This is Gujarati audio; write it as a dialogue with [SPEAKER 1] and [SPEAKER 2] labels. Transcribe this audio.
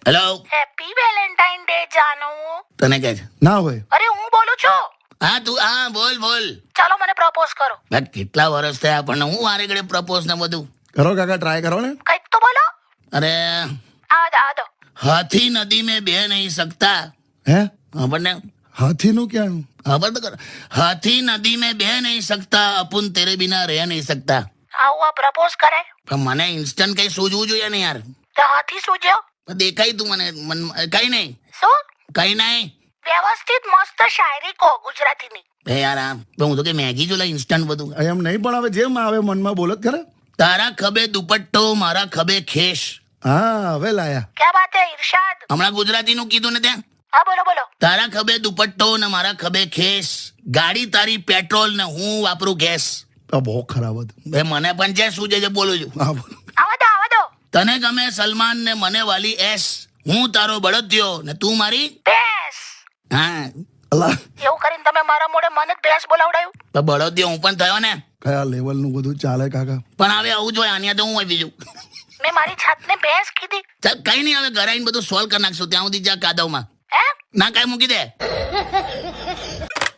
[SPEAKER 1] હેલો,
[SPEAKER 2] હેપી વેલેન્ટાઇન ડે જાનુ.
[SPEAKER 1] તને કે છે?
[SPEAKER 3] ના હોય.
[SPEAKER 2] અરે હું બોલું છું.
[SPEAKER 1] હા તું હા બોલ બોલ.
[SPEAKER 2] ચાલો મને પ્રપોઝ કરો.
[SPEAKER 1] ભાઈ, કેટલા વર્ષ થયા આપણને, હું વારે ઘડે પ્રપોઝ ને બધું.
[SPEAKER 3] કરો કાકા, ટ્રાય કરો ને.
[SPEAKER 2] કંઈક તો બોલો.
[SPEAKER 1] અરે
[SPEAKER 2] આ દો.
[SPEAKER 1] હાથી નદી में बह नहीं सकता.
[SPEAKER 3] હે
[SPEAKER 1] આપણને
[SPEAKER 3] હાથીનું ક્યાં?
[SPEAKER 1] ખબર તો કરો. હાથી નદી में बह नहीं सकता, અપુન તેરે બિના રહ નહીં सकता.
[SPEAKER 2] આવું આ પ્રપોઝ કરાય
[SPEAKER 1] પણ મને ઇન્સ્ટન્ટ કઈ સૂઝવું જોઈએ ને યાર.
[SPEAKER 2] તો હાથી સૂજ્યો.
[SPEAKER 1] દેખાય તું મને કઈ નહીં,
[SPEAKER 2] શું
[SPEAKER 1] કઈ નહીં.
[SPEAKER 2] વ્યવસ્થિત મસ્ત શાયરી કહો ગુજરાતીની.
[SPEAKER 1] બે યાર આ હું તો કે મેગી જો ઇન્સ્ટન્ટ બધું.
[SPEAKER 3] એમ નહીં, પણ હવે જેમ આવે મનમાં બોલો જ ખરા.
[SPEAKER 1] તારા ખભે દુપટ્ટો, મારા ખભે ખેસ.
[SPEAKER 3] હા, હવે લાયા.
[SPEAKER 2] ક્યાં વાત હે ઇરશાદ?
[SPEAKER 1] હમણાં ગુજરાતીનું કીધું ને ત્યાં.
[SPEAKER 2] હા બોલો બોલો.
[SPEAKER 1] તારા ખભે દુપટ્ટો ને મારા ખભે ખેસ, ગાડી તારી પેટ્રોલ ને હું વાપરું ગેસ.
[SPEAKER 3] આ બહુ ખરાબ હતું.
[SPEAKER 1] બે મને પણ જે શું છે બોલું છું.
[SPEAKER 3] હા બોલો.
[SPEAKER 2] આવા દો.
[SPEAKER 1] તને ગમે સલમાન ને મને વાલી એસ, હું તારો બળદિયો ને તું મારી.
[SPEAKER 2] ભેંસ.
[SPEAKER 1] હા,
[SPEAKER 3] અલા,
[SPEAKER 2] એવું કરીને તમે મારા મોઢે મને જ ભેંસ બોલાવડાયું.
[SPEAKER 1] તો બળદિયો હું પણ થયો ને.
[SPEAKER 3] કયા લેવલનું બધું ચાલે કાકા.
[SPEAKER 1] પણ હવે આવું જોઈએ, આની તો હું હોય બીજું.
[SPEAKER 2] મેં મારી જાતને ભેંસ કીધી.
[SPEAKER 1] ચાલ કઈ નહીં, હવે ઘરે આવીને બધું સોલ્વ કરી નાખશું. ત્યાં સુધી જા કાદવમાં.
[SPEAKER 2] હે
[SPEAKER 1] ના કાંઈ મૂકી દે.